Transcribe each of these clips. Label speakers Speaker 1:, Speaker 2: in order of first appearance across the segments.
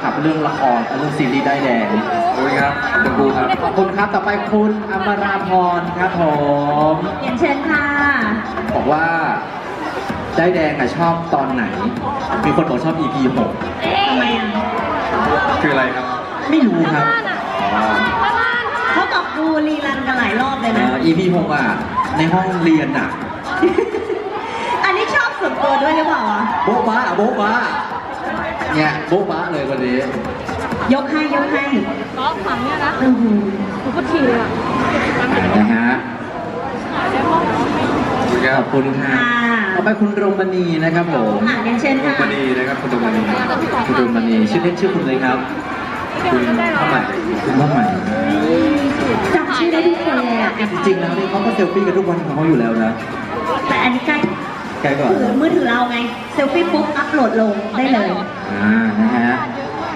Speaker 1: กับเรื่องละครเรื่องซีรีส์ได้แดง
Speaker 2: โอ้ยครับขอบคุณครับ
Speaker 1: ขอบคุณครับต่อไปคุณอมราพรครับผม
Speaker 3: เรียนเชิญค่ะ
Speaker 1: บอกว่าได้แดงอะชอบตอนไหน มีคนบอกชอบ EP 6
Speaker 3: ทำไมอ่ะ
Speaker 2: คืออะไรครับ
Speaker 1: ไม่รู้ครับ
Speaker 3: เขาบอกดูรีรันกันหลายรอบเลยนะ
Speaker 1: EP 6อ่ะในห้องเรียนอ่ะ
Speaker 3: อันนี้ชอบส่วนตัวด้วยหรือเปล่าอ่ะ
Speaker 1: โบ๊ะบ้าโบ๊ะบ้าเนี่ยโบ๊ะบ้าเลยวันนี้
Speaker 3: ยกให้ยกให้
Speaker 4: ก็ฝังเนี่ยนะ
Speaker 3: อือหือ
Speaker 4: กูก็ทีเลยอ่ะ
Speaker 1: นะฮะ
Speaker 2: ขอบคุณครับ
Speaker 1: ขอบคุณค่ะต่อไปคุณโรมณีนะครับผม
Speaker 3: อ่ะเรียนเชิญ
Speaker 2: คุณ
Speaker 3: ค่ะ
Speaker 2: มณีนะครับคุณตมณี
Speaker 1: คุณโรมณีชื่อเล่นชื่อคุณเลยครับ
Speaker 2: คุณข้าวใหม่
Speaker 1: คุณว่าใหม่
Speaker 3: จำชื่อได้ทุกคนเลยอ่ะ
Speaker 1: จริงๆแล้วนี่เขาก็เซลฟี่กันทุกวันของเขาอยู่แล้วนะ
Speaker 3: แต่อันนี้ใกล้
Speaker 1: ใกล้ก่อน
Speaker 3: ถือมือถือเราไง เซลฟี่ปุ๊บอัพโหลดลงได้เลย
Speaker 1: นะฮะ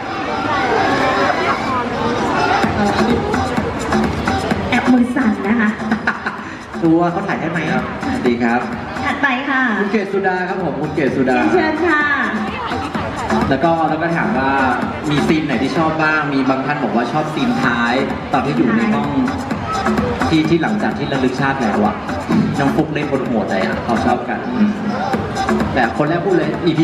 Speaker 3: แอบมือสั่นนะคะ
Speaker 1: ตัวเขาถ่ายให้ไหมครับดีครับ
Speaker 3: ถัดไปค่ะ
Speaker 1: คุณเกศสุดาครับผมคุณเกศสุดา
Speaker 3: เรียนเชิญค่ะ
Speaker 1: แล้วก็ถามว่ามีซีนไหนที่ชอบบ้าง มีบางท่านบอกว่าชอบซีนท้าย ตอนที่อยู่ในห้องที่หลังจากที่ระลึกชาติแล้วอะน้องฟุกเล่นบนหัวใจอะเขาชอบกันแต่คนแรกพูดเลย EP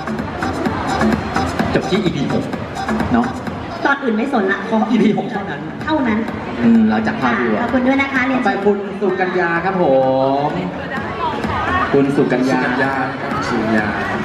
Speaker 1: 6จบที่ EP 6เนาะ
Speaker 3: ตอนอื่นไม่สนละขอ
Speaker 1: EP 6เท่านั้น
Speaker 3: เท่านั้น
Speaker 1: หลังจากภาพดู
Speaker 3: ขอบคุณด้วยนะคะเรียน
Speaker 1: ไป
Speaker 3: เชิญ
Speaker 1: คุณสุกัญญาครับผม คุณสุกัญ
Speaker 2: สุ
Speaker 1: ญา
Speaker 2: กัญญาครับสุกัญญา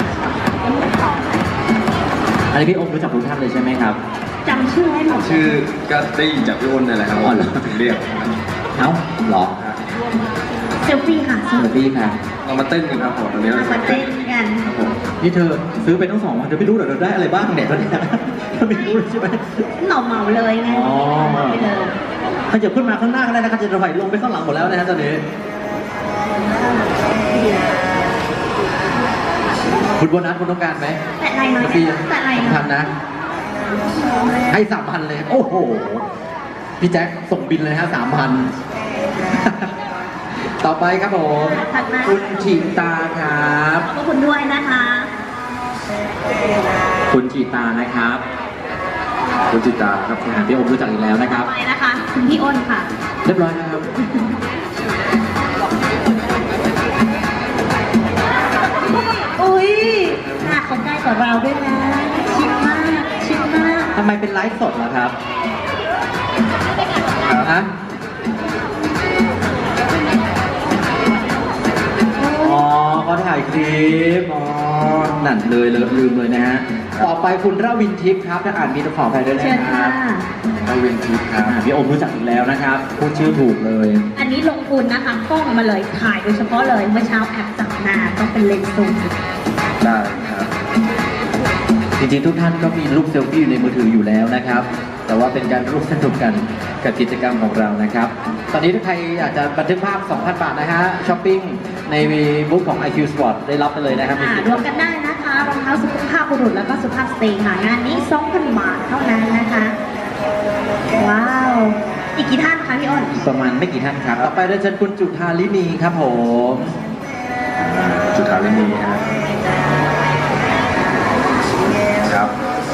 Speaker 1: อันนี้พี่โอ๊ครู้จักทุกท่านเลยใช่ไหมครับ
Speaker 3: จำชื่อให้หมด
Speaker 2: ชื่อก็ได้ยินจากพี่อ้นนี่แหละครับ
Speaker 1: อ๋อเหรอ
Speaker 2: ถึงเรียก
Speaker 1: เอ้าเหรอ
Speaker 3: เซลฟี่ค่ะ
Speaker 1: สวัสดีค่ะ
Speaker 2: เรามาเต้นกันครับผมตอนนี้
Speaker 3: มาเต้นกัน
Speaker 2: ครับผม
Speaker 1: นี่เธอซื้อไปทั้ง2 วันเธอไม่รู้เหรอเธอได้อะไรบ้างเนี่ยตอนเนี้ยเธอไม่รู้เลยใช่ไหม
Speaker 3: เหมาเลยไง
Speaker 1: อ๋อ
Speaker 3: เหมาไปเลย
Speaker 1: ถ้าจะขึ้นมาข้างหน้าก็ได้นะครับจะถอยลงไปข้างหลังหมดแล้วนะฮะตอนนี้คุณโบนัสคุณต้องการไหม
Speaker 3: แต่ไรนะ
Speaker 1: พี่
Speaker 3: แต่ไร
Speaker 1: พัน
Speaker 3: นะ
Speaker 1: นะ ให้3,000เลย โอ้โห พี่แจ็คส่งบินเลยฮะ3,000 ต่อไปครับผม
Speaker 3: ถัดมา
Speaker 1: คุณฉีตาครับ
Speaker 3: ขอบคุณด้วยนะคะ
Speaker 1: คุณฉีตานะครับ
Speaker 2: คุณจิตาครับ
Speaker 1: พี่โอมรู้จักอีกแล้วนะครับ
Speaker 3: ไปนะคะคุณพี่อ้นค่ะ
Speaker 1: เรียบร้อยนะครับ
Speaker 3: อุ้ยหน้าเขาใกล้กว่าเราด้วยนะ ชิดมาก ชิดมาก
Speaker 1: ทำไมเป็นไลฟ์สดล่ะครับฮะอ๋อเขาถ่ายคลิป อ๋อ นั่นเลยลืมเลยนะฮะ ต่อไปคุณระวินทิพย์ครับถ้าอ่านมีตะขอไปด้วยนะ
Speaker 3: เชิญ
Speaker 1: ค
Speaker 3: ค่ะ
Speaker 1: รับ
Speaker 2: เราเวนทิพย์ครับ
Speaker 1: พี่โอมรู้จักอีกแล้วนะครับ พูดชื่อถูกเลย
Speaker 3: อันนี้ลงทุนนะคะกล้องมาเลยถ่ายโดยเฉพาะเลย เมื่อเช้าแอบจับหน้าต้องเป็นเลนส์ซูม
Speaker 2: ได้ครับ
Speaker 1: จริงๆทุกท่านก็มีรูปเซลฟี่อยู่ในมือถืออยู่แล้วนะครับ แต่ว่าเป็นการร่วมสนุกกันกับกิจกรรมของเรานะครับ ตอนนี้ถ้าใครอยากจะบันทึกภาพ 2,000 บาทนะฮะช้อปปิ้งในบุ๊กของ IQ Sport ได้รับไปเลยนะครับ
Speaker 3: รวมกันได้นะคะรองเท้าสุภาพบุรุษแล้วก็สุภาพสตรีค่ะงานนี้ 2,000 บาทเท่านั้นนะคะ ว้าว อีกกี่ท่านคะพี่อ้น
Speaker 1: ประมาณไม่กี่ท่านครับ ต่อไปเรียนเชิญคุณจุธาลินีครับผม
Speaker 2: จุฬาลินีครับครับ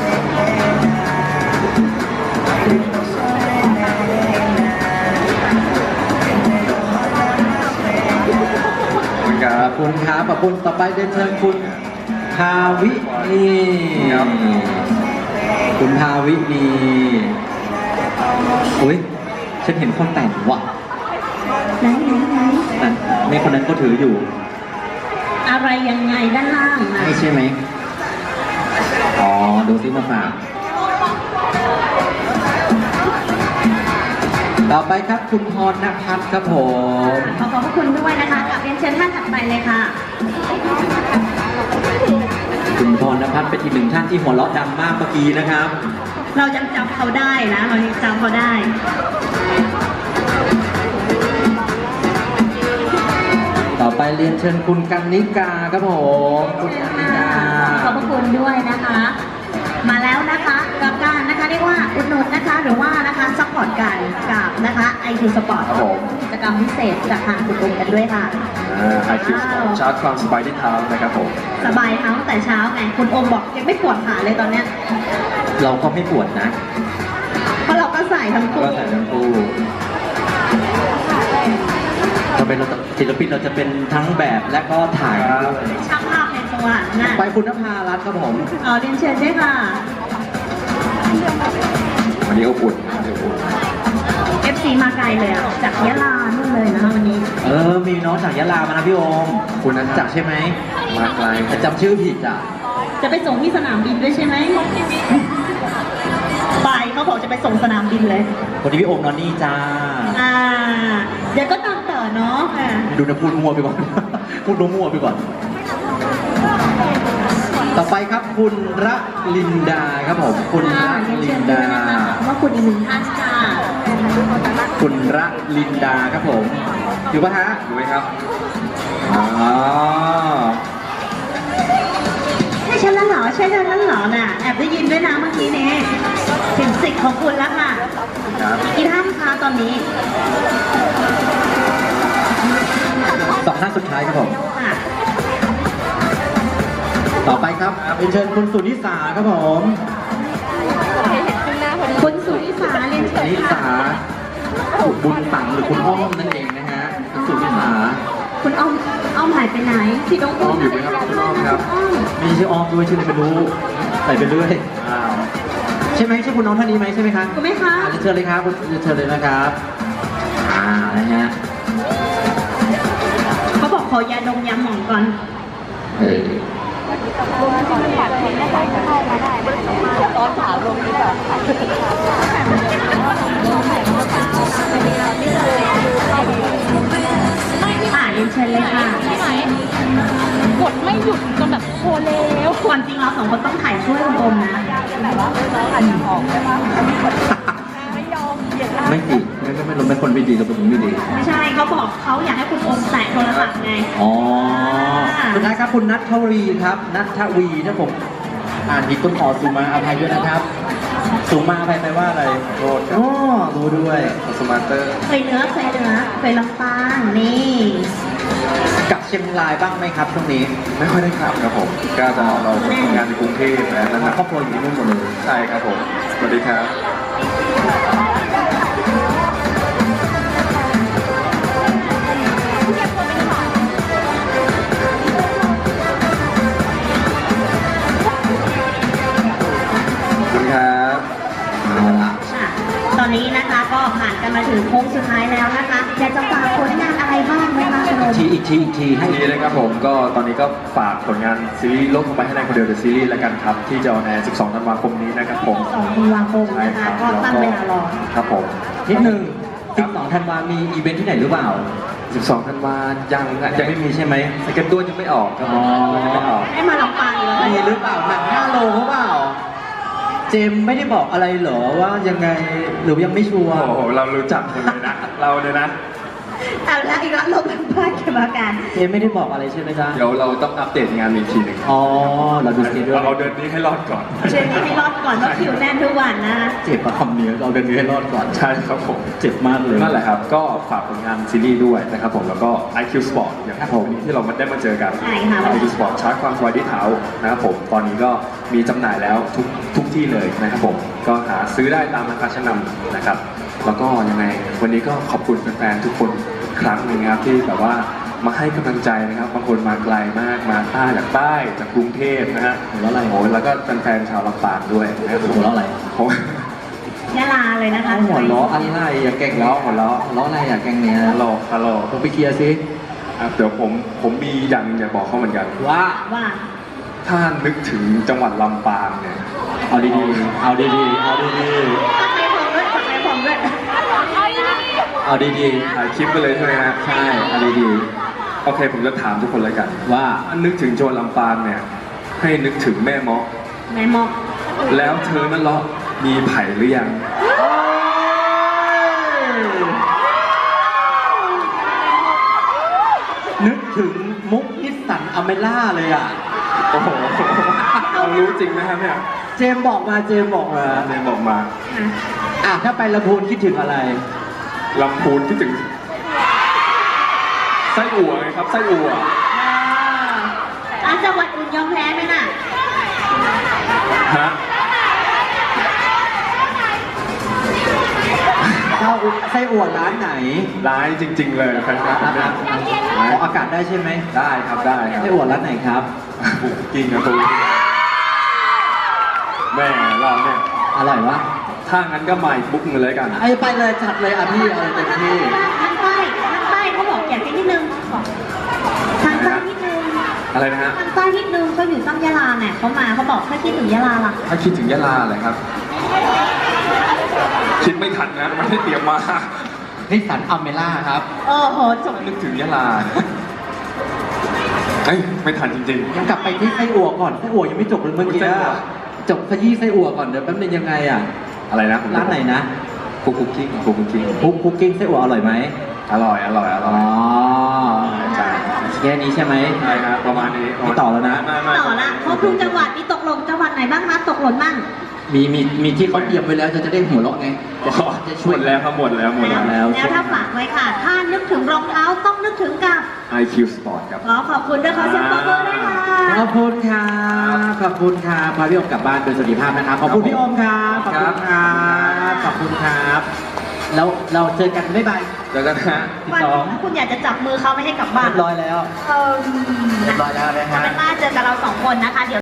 Speaker 2: ขอบคุณค
Speaker 1: ข
Speaker 2: รั
Speaker 1: อ
Speaker 2: บบ
Speaker 1: คุณครับขอบคุณต่อไปเรียนเชิญคุณภาวินี
Speaker 2: ครับ
Speaker 1: คุณภาวินีอุ้ยฉันเห็นคนแต่งว่ะ
Speaker 3: ไหน
Speaker 1: นั่นในคนนั้นก็ถืออยู่
Speaker 3: อะไรยังไงด้านล่างนะ
Speaker 1: ไม่ใช่ไหม อ๋อ ดูซิมาฝาก ต่อไปครับคุณพรณพัฒน์ครับผม
Speaker 3: ขอขอบพระคุณด้วยนะคะกับเรียนเชิญท่านถัดไปเลยค่ะ
Speaker 1: คุณพรณพัฒน์เป็นอีกหนึ่งท่านที่หัวเราะดังมากเมื่อกี้นะครับ
Speaker 3: เรายังจำเขาได้นะ เรายังจำเขาได้
Speaker 1: ต่อไปเรียนเชิญคุณกันนิกาครับผมคุณกันนิกา
Speaker 3: ขอบพระคุณด้วยนะคะ มาแล้วนะคะกับการนะคะเรียกว่าอุดหนุนนะคะหรือว่านะคะซัพพอร์ตกันกับนะคะ IQ Sport
Speaker 2: ครับผม
Speaker 3: กิจกรรมพิเศษจากทางคุณอุ้มกันด้วยค่ะ
Speaker 2: IQ Sport ชาร์จความสบายที่เท้านะครับผม
Speaker 3: สบายเท้าตั้งแต่เช้าไงคุณโอมบอกยังไม่ปวดขาเลยตอนเนี้ย
Speaker 1: เราก็ไม่ปวดนะ
Speaker 3: เพราะเราก็ใส่ทั้งคู่
Speaker 1: ก็ใส่ทั้งคู่เราเป็นศิลปินเราจะเป็นทั้งแบบและก็ถ่ายด้วย
Speaker 3: ช่างภาพในสวรรค์น่ะ
Speaker 1: ไปคุณนภารัตน์ครับผม
Speaker 3: เรียนเชิญด้วยค่ะ
Speaker 2: วันนี้อบอุ่นนะครับอบอุ่น
Speaker 3: FC มาไกลเลยอะจากยะลานู่นเลยนะคะวันนี้
Speaker 1: มีน้องจากยะลามานะพี่โอม
Speaker 2: คุณนะ
Speaker 1: จากใช่ไหม
Speaker 2: มาไกล
Speaker 1: แต่จำชื่อผิดอ่ะ
Speaker 3: จะไปส่งที่สนามบินด้วยใช่ไหมไปเขาบอกจะไปส่งสนามบินเลย
Speaker 1: คนที่พี่โอมนอนนี่จ้า
Speaker 3: เดี๋ยวก็ตามต่อเนาะค่ะ
Speaker 1: ดูนะพูดมั่วไปก่อน พูดมั่วไปก่อน ต่อไปครับคุณระลินดาครับผม คุณระ
Speaker 3: เรียน
Speaker 1: ลิ
Speaker 3: เชิ
Speaker 1: น
Speaker 3: ญด้วย
Speaker 1: ดา
Speaker 3: นะคะขอบว่าคุณอีกหนึ่งท่านค่ะ
Speaker 1: คุณระลินดาครับผม อยู่ปะฮะ
Speaker 2: รู้ไหมครับ
Speaker 1: อ๋อ
Speaker 3: ใช่ฉันแล้วเหรอใช่ฉันแล้วเหรอน่ะแอบได้ยินด้วยนะเมื่อกี้นี้ถึงสิทธิ์ของคุณแล้วค่ะ
Speaker 2: ครับ
Speaker 3: กี่ท่านคะตอนนี้
Speaker 1: สองท่านสุดท้ายครับผม
Speaker 3: ค่ะ
Speaker 1: ต่อไปครับเป็นเชิญคุณสุนิสาครับผม
Speaker 3: คุณสุนิสาเรียน
Speaker 1: สุ
Speaker 3: เชิญ
Speaker 1: นิ
Speaker 3: ค่ะ
Speaker 1: สาบุญตังหรือคุณอ้อมนั่นเองนะฮะคุณสุนิสา
Speaker 3: คุณอ้อมหายไปไหนพี่น้อง
Speaker 2: อ้อมอยู่ไหมครับคุณอ้อมครับ
Speaker 3: อ้อม
Speaker 1: มีชื่ออ้อมด้วยชื่ออะไรไม่รู้ใส่ไปเรื่อย
Speaker 2: อ้าว
Speaker 1: ใช่ไหมใช่คุณน้องท่านนี้ไหมใช่ไหมครับ
Speaker 3: ถูกไหมคะ
Speaker 1: เชิญเลยครับเชิญเลยนะครับ นะฮะ
Speaker 3: เขาบอกขอยาดมยาหมองก่อน
Speaker 1: เออ
Speaker 4: ตอนถามลงนี่แบบ
Speaker 3: เรียนเชิญเลยค่ะ
Speaker 4: ใช่ไหมกดไม่หยุดจนแบบโคเลว
Speaker 3: ความจริงเราสองคนต้องถ่ายช่วยคุณโอมนะ
Speaker 4: แต่ว่าน้องอาจจะออกใช่ไหมไม่ยอมเหยียด
Speaker 1: ไม่ดีไม่รู้เป็นคนไม่ดีเราเป็นคนไม่ดี
Speaker 3: ไม่ใช่เขาบอกเขาอยากให้คุณโอมแตะโทรศัพท์ไง
Speaker 1: อ๋อสุดท้ายครับคุณนัทวีครับนัทวีถ้าผมอ่านผิดต้องขอสุมาอภัยด้วยนะครับสุมาอภัยแปลว่าอะไร
Speaker 2: โทษครับ
Speaker 1: อ๋อรู้ด้วย
Speaker 2: สมาร์เตอร์
Speaker 3: เคยเนื้อเคยลำปางนี่
Speaker 1: กลับเชียงรายบ้างไหมครับช่วงนี้
Speaker 2: ไม่ค่อยได้ขับครับผม ก็จะเราจะทำงานในกรุงเทพนะนั่นนะ
Speaker 1: ครอบครัวอยู่ที่นู่นหมดเลย
Speaker 2: ใช่ครับผม สวัสดีครับ ขอบคุณครับ
Speaker 1: เอาละ
Speaker 3: ค่ะตอนนี้นะคะก็ผ่านกันมาถึงโค้งสุดท้ายแล้วนะคะอยากจะฝากผลงานอะไรบ้างไหมคะคุณโอม
Speaker 1: อีกทีให้
Speaker 2: ทีนี้นะครับผมก็ตอนนี้ก็ฝากผลงานซีรีส์โลกลงไปให้ในคนเดียวเดอะซีรีส์แล้วกันครับ ที่จะออนแอร์ 12 ธันวาคมนี้นะครับผม
Speaker 3: 2 ธันวาคม
Speaker 2: ใช่
Speaker 3: นะ
Speaker 2: ค
Speaker 3: คะ
Speaker 2: รับ
Speaker 3: ก็ตั้งเวลารอ
Speaker 2: ครับผม
Speaker 1: นิดนึง12 ธันวามีอีเวนท์ที่ไหนหรือเปล่า
Speaker 2: 12 ธันวายังไม่มีใช่ไหมสเก็ตตัวยังไม่ออกครับผม
Speaker 1: อ๋อ
Speaker 2: ยังไม่ออก
Speaker 3: ให้มาลำปางอีกแล้ว
Speaker 1: มีหรือเปล่าหนัง5 โลเขาเปล่า เจมส์ไม่ได้บอกอะไรเหรอว่ายังไงหรือยังไม่ชัวร์
Speaker 2: โอ้โห เรารู้จักคนเลยนะ เราเนี่ยนะ
Speaker 3: เอาละอีกแล้วลงเป็นพลาดกรรมการ
Speaker 1: เจมส์ไม่ได้บอกอะไรใช่ไหมจ๊ะ
Speaker 2: เดี๋ยวเราต้องอัปเดตงานอีกทีหนึ่ง
Speaker 1: อ๋อเราดูสเกจด้วย
Speaker 2: เราเดือนนี้ให้รอดก่อน
Speaker 3: เชิญให้รอดก่อนว่าคิวแน่นทุกวันนะ
Speaker 1: เจ็บประคำเนื้อเราเดินนี้ให้รอดก่อน
Speaker 2: ใช่ครับผม
Speaker 1: เจ็บมากเลย
Speaker 2: นั่นแหละครับ ก็ฝากผลงานซีรีส์ด้วยนะครับผมแล้วก็ IQ Sport อย่าง
Speaker 1: ครับผม
Speaker 2: วันนี้ที่เราได้มาเจอกัน
Speaker 3: ใช่ค่ะ
Speaker 2: IQ Sport ชาร์จความสบายที่เท้านะครับผมตอนนี้ก็มีจำหน่ายแล้วทุกที่เลยนะครับผมก็หาซื้อได้ตามราคาชั้นนำนะครับ แล้วก็ยังไงวันนี้ก็ขอบคุณแฟนๆทุกคนอีกครั้งหนึ่งนะครับที่แบบว่ามาให้กำลังใจนะครับบางคนมาไกลมากมาจากใต้จากกรุงเทพนะฮะ
Speaker 1: หัวเราะอะไร
Speaker 2: โอ้ยแล้วก็แฟนๆชาวลำปางด้วยนะครับผม
Speaker 1: หัวเราะอะไร
Speaker 2: ผม
Speaker 3: ยะลาเลยนะคะ
Speaker 1: หัวเราะอะไรอย่าแกล้งเราะหัวเราะอะไรอย่าแกล้งเนี้ย
Speaker 2: ฮัลโหลฮัลโหล
Speaker 1: ผมไปเคลียร์ซิ
Speaker 2: เดี๋ยวผมมีอย่างอยากบอกเขาเหมือนกัน
Speaker 1: ว่า
Speaker 3: ว่า
Speaker 2: ถ้านึกถึงจังหวัดลำปางเนี่ย
Speaker 1: เอาดีๆเอาดีๆเอาดี
Speaker 3: ตัดไปผมด้วยตัดไปผมด้วย
Speaker 1: ๆเอาดี
Speaker 2: ถ่ายคลิปไปเลยใช่ไหมฮะ
Speaker 1: ๆใช่เอาดี
Speaker 2: โอเคผมจะถามทุกคนเลยกัน
Speaker 1: ๆว่า
Speaker 2: ถ้านึกถึงจังหวัดลำปางเนี่ยให้นึกถึงแม่เมาะ
Speaker 3: แม่มอก
Speaker 2: แล้วเธอนั่นเลาะมีไผ่หรือยัง
Speaker 1: นึกถึงมุกนิสสันอเมล่าเลยอ่ะ
Speaker 2: โอ้โหเรารู้จริงไหมครับเนี่ย
Speaker 1: เจมส์บอกมาเจมส์บอกมา
Speaker 2: เนยบอกมา
Speaker 3: นะ
Speaker 1: อ่ะถ้าไปลำพูนคิดถึงอะไร
Speaker 2: ลำพูนที่ถึงไส้อั่วไงครับไส้อั่ว
Speaker 3: จังหวัดอื่นยอมแพ้ไหมน่ะ
Speaker 2: ฮะ
Speaker 1: ไส้อั่วร้านไหน
Speaker 2: ร้ายจริง ๆ เลยแฟนคลับ
Speaker 1: นะค
Speaker 2: เนี่
Speaker 1: รั
Speaker 2: ย
Speaker 1: บออกอากาศได้ใช่ไหม
Speaker 2: ได้ครับได้ครับ
Speaker 1: ไส้อั่วร้านไหนครับ
Speaker 2: กินกับตูแม่เราเนี่ย
Speaker 1: อร่อยวะ
Speaker 2: ถ้างั้นก็มาอีกบุ๊กหนึงเลยกัน
Speaker 1: ไอ้ไปเลยจัดเลยอ่ะพี่เอาเลยเต็มที่
Speaker 3: ทางใต้เขาบอกอยากกินนิดนึงทางใต้นิดนึง
Speaker 2: อะไรนะฮะ
Speaker 3: ทางใต้นิดนึงเขาอยู่ตั้งยะลาเนี่ยเขามาเขาบอกถ้าคิดถึงยะลาล่ะ
Speaker 2: ถ้าคิดถึงยะลาเลยครับ คิดไม่ทันนะไม่ได้เตรียมมา
Speaker 1: นิสสันอเมล่าครับ
Speaker 3: โอ้โหจบ
Speaker 2: นึกถึงยะลาเนี่ยเอ้ยไม่ทันจริง
Speaker 1: ยังกลับไปที่ไส้อั่วก่อนไส้อั่วยังไม่จบเลยเมื่อกี้
Speaker 2: ไส้อั่ว
Speaker 1: จบขยี้ไส้อั่วก่อนเดี๋ยวแป๊บนึงยังไงอ่ะ
Speaker 2: ๆ อะไรนะผม
Speaker 1: ร้านไหนนะ
Speaker 2: คุกกิ้งคุกกิ้ง
Speaker 1: คุกกิ้งไส้อั่วอร่อยไหม
Speaker 2: อร่อยอร่อยอร่
Speaker 1: อ๋
Speaker 2: อ
Speaker 1: อย
Speaker 2: ใช่
Speaker 1: แค่นี้ใช่ไหม
Speaker 2: ใช่ครับประมาณนี้
Speaker 1: ไม่ต่อแล้วนะ
Speaker 2: ไม่
Speaker 3: ต่อละครบทุกจังหวัดมีตกหล่นจังหวัดไหนบ้างคะตกหล่นบ้าง
Speaker 1: มีที่เขาเตรียมไว้แล้วจะได้หัวเราะไงจะ
Speaker 2: หมดแล้วครับหมดแล้วหมดแล้ว
Speaker 1: แล้ว
Speaker 3: แล้วถ้าฝากไว้ค่ะ ถ้านึกถึงรองเท้าต้องนึกถึงกับ
Speaker 2: IQ Sport ครับ
Speaker 3: ขอบคุณด้วยขอเสียงปรบมือด้วยค่ะ
Speaker 1: ขอบคุณครับขอบคุณครับพาพี่อมกลับบ้านโดยสวัสดิภาพนะครับขอบคุณพี่อมครับขอบคุณครับขอบคุณครับแล้วเราเจอกันบ๊ายบาย
Speaker 2: เจอกันนะฮะ
Speaker 1: ที่
Speaker 3: วัน
Speaker 1: สอง
Speaker 3: คุณอยากจะจับมือเขาไม่ให้กลับบ้าน
Speaker 1: เรียบร้อยแล้ว
Speaker 3: เออ
Speaker 1: เรียบร้อยแล้วนะฮะ
Speaker 3: เป็นว่าเจอกับเราสองคนนะคะเดี๋ยว